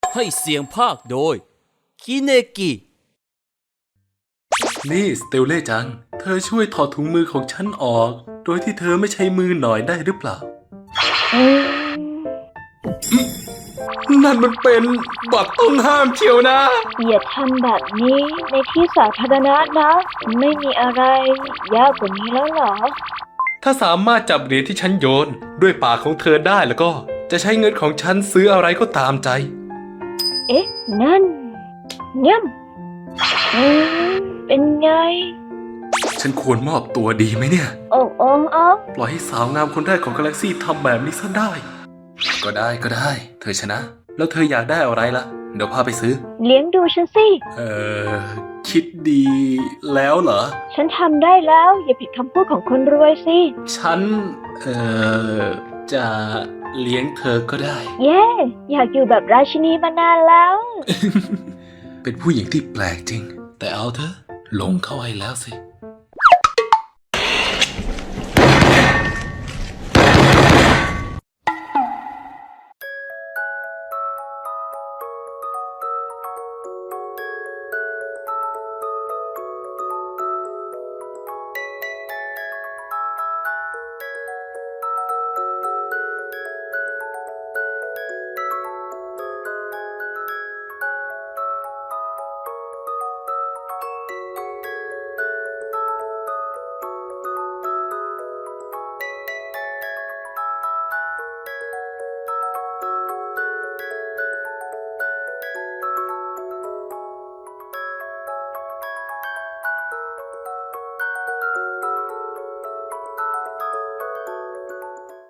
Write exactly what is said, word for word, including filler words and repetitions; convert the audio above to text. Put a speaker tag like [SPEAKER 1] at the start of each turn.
[SPEAKER 1] ให้เสียงภาคโดยคิเนกิ
[SPEAKER 2] นี่สเตลเล่จัง เธอช่วยถอดถุงมือของฉันออก โดยที่เธอไม่ใช้มือหน่อยได้หรือเปล่า นั่นมันเป็นบัตรต้องห้ามเชียวนะ
[SPEAKER 3] อย่าทำแบบนี้ในที่สาธารณะนะ ไม่มีอะไรยากกว่านี้แล้วเหรอ
[SPEAKER 2] ถ้าสามารถจับเหรียญที่ฉันโยนด้วยปากของเธอได้แล้วก็ จะใช้เงินของฉันซื้ออะไรก็ตามใจ
[SPEAKER 3] เอ๊ะ นั่นย่ำอืมเป็นไง
[SPEAKER 2] ฉันควรมอบตัวดีไหมเนี่ย
[SPEAKER 3] โอ้โอ้โอ้
[SPEAKER 2] ปล่อยให้สาวงามคนแรกของกาแล็กซี่ทำแบบนี้ซะได้ ก็ได้ก็ได้ เธอชนะ แล้วเธออยากได้อะไรล่ะ เดี๋ยวพาไปซื้อ
[SPEAKER 3] เลี้ยงดูฉันสิ
[SPEAKER 2] เออคิดดีแล้วเหรอ
[SPEAKER 3] ฉันทำได้แล้ว อย่าผิดคำพูดของคนรวยสิ
[SPEAKER 2] ฉัน เออจะเลี้ยงเธอก็ได้
[SPEAKER 3] เย้อยากอยู่แบบราชินีมานานแล้ว
[SPEAKER 2] เป็นผู้หญิงที่แปลกจริง แต่เอาเถอะหลงเข้าให้แล้วสิ